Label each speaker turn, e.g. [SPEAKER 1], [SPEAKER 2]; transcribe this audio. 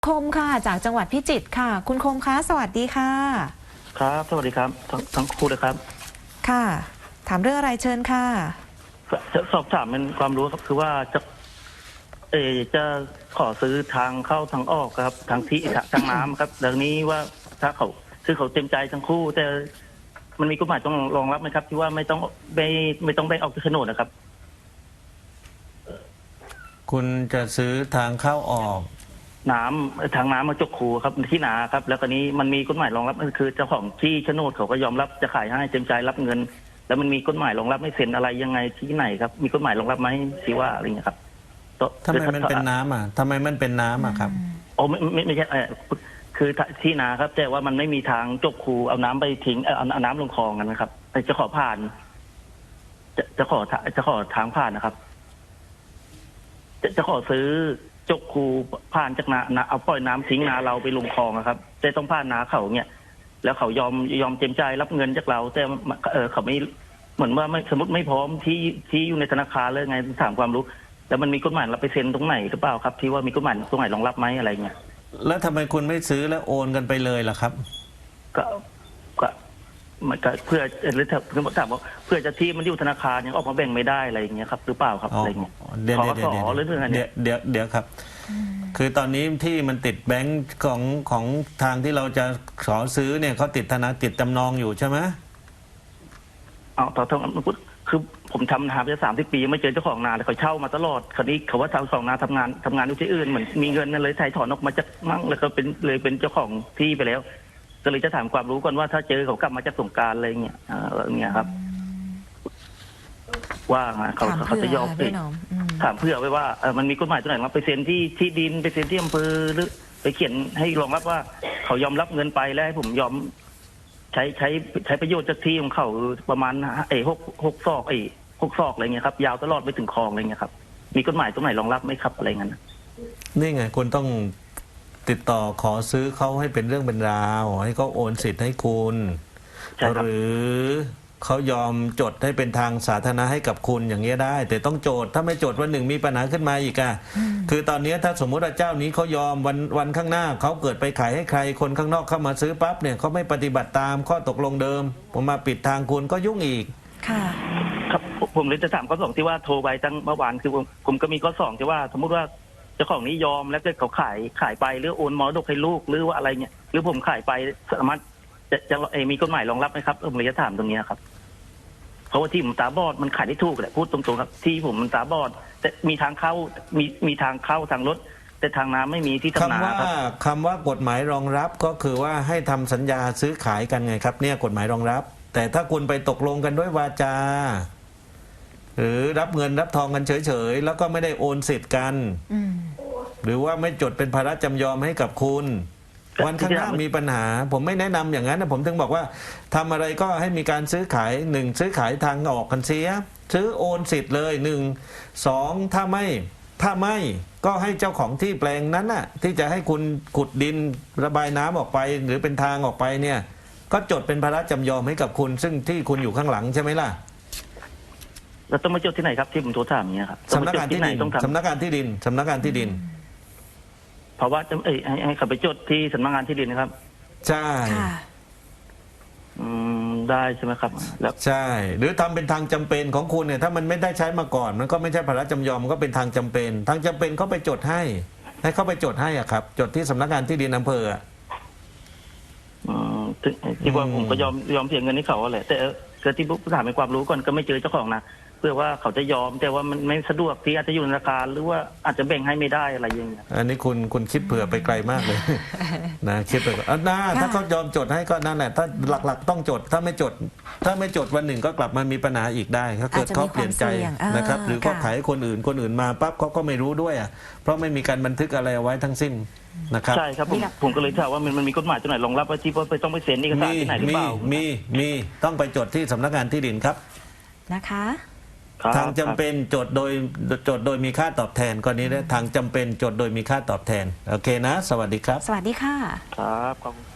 [SPEAKER 1] คมค่ะจากจังหวัดพิจิตรค่ะคุณคมคะสวัสดีค่ะ
[SPEAKER 2] ครับสวัสดีครับทั้งคู่เลยครับ
[SPEAKER 1] ค่ะถามเรื่องอะไรเชิญค่ะ
[SPEAKER 2] จะสอบถามเป็นความรู้ครับคือว่าจะขอซื้อทางเข้าทางออกครับทางที่ทางน้ำครับเรื่องนี้ว่าถ้าเขาคือเขาเต็มใจทั้งคู่แต่มันมีกฎหมายต้องรองรับไหมครับที่ว่าไม่ต้องแบ่งออกจากโฉนดนะครับ
[SPEAKER 3] คุณจะซื้อทางเข้าออก
[SPEAKER 2] น้ำทางน้ำมาจกคูครับที่นาครับแล้วก็นี้มันมีกฎหมายรองรับคือเจ้าของที่โฉนดเขาก็ยอมรับจะขายให้เต็มใจรับเงินแล้วมันมีกฎหมายรองรับไม่เซ็นอะไรยังไงที่ไหนครับมีกฎหมายรองรับไหมสิว่าอะไรเงี้ยครับ
[SPEAKER 3] ทำไมมันเป็นน้ำอ่ะทำไมมันเป็นน้ำอ่ะครับ
[SPEAKER 2] โอ้ไม่ใช่คือที่นาครับแต่ว่ามันไม่มีทางจกคูเอาน้ำไปทิ้งเอาน้ำลงคลองกันนะครับจะขอผ่านจะขอทางผ่านนะครับจะขอซื้อจกคูผ่านจากนาเอาปล่อยน้ำทิ้งนาเราไปลงคลองครับแต่ต้องผ่านนาเขาเนี่ยแล้วเขายอมเต็มใจรับเงินจากเราแต่เขาไม่เหมือนว่าไม่สมมติไม่พร้อมที่อยู่ในธนาคารเลยไงถามความรู้แล้วมันมีกฎหมายเราไปเซ็นตรงไหนหรือเปล่าครับที่ว่ามีกฎหมายตรงไหนรองรับไหมอะไรเงี้ย
[SPEAKER 3] แล้วทำไมคุณไม่ซื้อแล้วโอนกันไปเลยล่ะครับ
[SPEAKER 2] ก็มันก็เพื่อหรือถามว่าเพื่อจะที่มันอยู่ธนาคารยังออกมาแบ่งไม่ได้อะไรอย่างเงี้ยครับหรือเปล่าครับอะไรเงี้ย
[SPEAKER 3] เดี๋ยวคือตอนนี้ที่มันติดแบงก์ของทางที่เราจะขอซื้อเนี่ยเขาติดจำนองอยู่ใช่ไหม
[SPEAKER 2] ต่อคือผมทำนาไป30 ปีไม่เจอเจ้าของนาเลยเขาเช่ามาตลอดคราวนี้เขาว่าเจ้าของนาทำงานอยู่ที่อื่นเหมือนมีเงินนั่นเลยถ่ายถอนออกมาจากมั่งแล้วก็เป็นเจ้าของที่ไปแล้วก็เลยจะถามความรู้ก่อนว่าถ้าเจอเขากลับมาจากสงกรานต์อะไรเงี้ยครับว่าเขาจะยอมถามเพื่อไว้ว่ามันมีกฎหมายตัวไหนมาไปเซ็นที่ดินไปเซ็นที่อำเภอหรือไปเขียนให้รองรับว่าเขายอมรับเงินไปแล้วให้ผมยอมใช้ประโยชน์จากที่ของเขาประมาณ6 ศอกอะไรเงี้ยครับยาวตลอดไปถึงคลองอะไรเงี้ยครับมีกฎหมายตรงไหนรองรับไหมครับอะไรเงี้ย
[SPEAKER 3] นี่ไงคุณต้องติดต่อขอซื้อเขาให้เป็นเรื่องเป็นราวให้เขาโอนสิทธิ์ให้คุณหรือเขายอมจดให้เป็นทางสาธารณะให้กับคุณอย่างเงี้ยได้แต่ต้องโจทย์ถ้าไม่โจทย์วันหนึ่งมีปัญหาขึ้นมาอีกคือตอนนี้ถ้าสมมติว่าเจ้านี้เขายอมวันข้างหน้าเขาเกิดไปขายให้ใครคนข้างนอกเข้ามาซื้อปั๊บเนี่ยเขาไม่ปฏิบัติตามข้อตกลงเดิมผมมาปิดทางคุณก็ยุ่งอีก
[SPEAKER 1] ค่ะ
[SPEAKER 2] ครับผมเลยจะถามข้อ 2ที่ว่าโทรไปตั้งเมื่อวานคือผมก็มีข้อ 2ที่ว่าสมมติว่าเจ้าของนี้ยอมแล้วก็เขาขายไปหรือโอนมรดกให้ลูกหรือว่าอะไรเนี่ยหรือผมขายไปสามารถจะมีกฎหมายรองรับไหมครับผมเลยจะถามตรงนี้ครับเพราะว่าที่ผมตาบอดมันขายได้ถูกแหละพูดตรงๆครับที่ผมมันตาบอดแต่มีทางเข้ามีทางเข้าทางรถแต่ทางน้ำไม่มีที่ทำนาครับ
[SPEAKER 3] คำว่ากฎหมายรองรับก็คือว่าให้ทำสัญญาซื้อขายกันไงครับเนี่ยกฎหมายรองรับแต่ถ้าคุณไปตกลงกันด้วยวาจาหรือรับเงินรับทองกันเฉยๆแล้วก็ไม่ได้โอนสิทธิ์กันหรือว่าไม่จดเป็นภาระจำยอมให้กับคุณวันข้างหน้ามีปัญหาผมไม่แนะนำอย่างนั้นนะผมถึงบอกว่าทำอะไรก็ให้มีการซื้อขายซื้อขายทางออกกันเสียซื้อโอนสิทธิ์เลย2ถ้าไม่ก็ให้เจ้าของที่แปลงนั้นน่ะที่จะให้คุณขุดดินระบายน้ำออกไปหรือเป็นทางออกไปเนี่ยก็จดเป็นภาระจำยอมให้กับคุณซึ่งที่คุณอยู่ข้างหลังใช่ไหมล่ะ
[SPEAKER 2] เราต้องมาจดที่ไหนครับที่ผมโทรถามเนี่ยครับ
[SPEAKER 3] สำนักงานที่ดินสำนักงานที่ดิน
[SPEAKER 2] เพราะว่าให้เขาไปจดที่สำนักงานที่ดินนะครับ
[SPEAKER 3] ใช่
[SPEAKER 2] ได้ใช่ไหมครับ
[SPEAKER 3] แล้วใช่หรือทำเป็นทางจำเป็นของคุณเนี่ยถ้ามันไม่ได้ใช้มาก่อนมันก็ไม่ใช่ภาระจำยอมมันก็เป็นทางจำเป็นเขาไปจดให้เขาไปจดให้อ่ะครับจดที่สำนักงานที่ดินอำเภอ
[SPEAKER 2] ที่ว่าผมก็ยอมเสียเงินให้เขาแหละแต่เกิดที่ผู้ถามในความรู้ก่อนก็ไม่เจอเจ้าของนะเพื่อว่าเขาจะยอมแต่ว่ามันไม่สะดวกที่อาจจะอยู่ในราคาหรือว่าอาจจะแบ่งให้ไม่ได้อะไรอย่างเงี้ย
[SPEAKER 3] อันนี้คุณคิดเผื่อไปไกลมากเลยนะคิดไปก่อนถ้าเขายอมจดให้ก็นั่นแหละถ้าหลักๆต้องจดถ้าไม่จดวันหนึ่งก็กลับมามีปัญหาอีกได้ถ้าเกิดเขาเปลี่ยนใจนะครับหรือก็ขายคนอื่นมาปั๊บเขาก็ไม่รู้ด้วยเพราะไม่มีการบันทึกอะไรเอาไว้ทั้งสิ้นนะครับ
[SPEAKER 2] ใช่ครับผมก็เลยถามว่ามันมีกฎหมายตัวไหนรองรับว่าที่ว่าต้องไปเซ็นเอกสารที่ไหนหรือเปล่า
[SPEAKER 3] มีต้องไปจดที่สำนักงานที่ดินครับ
[SPEAKER 1] นะคะ
[SPEAKER 3] ทางจำเป็นจดโดยมีค่าตอบแทนกรณีนี้ทางจำเป็นจดโดยมีค่าตอบแทนโอเคนะสวัสดีครับ
[SPEAKER 1] สวัสดีค่ะ
[SPEAKER 2] ครับ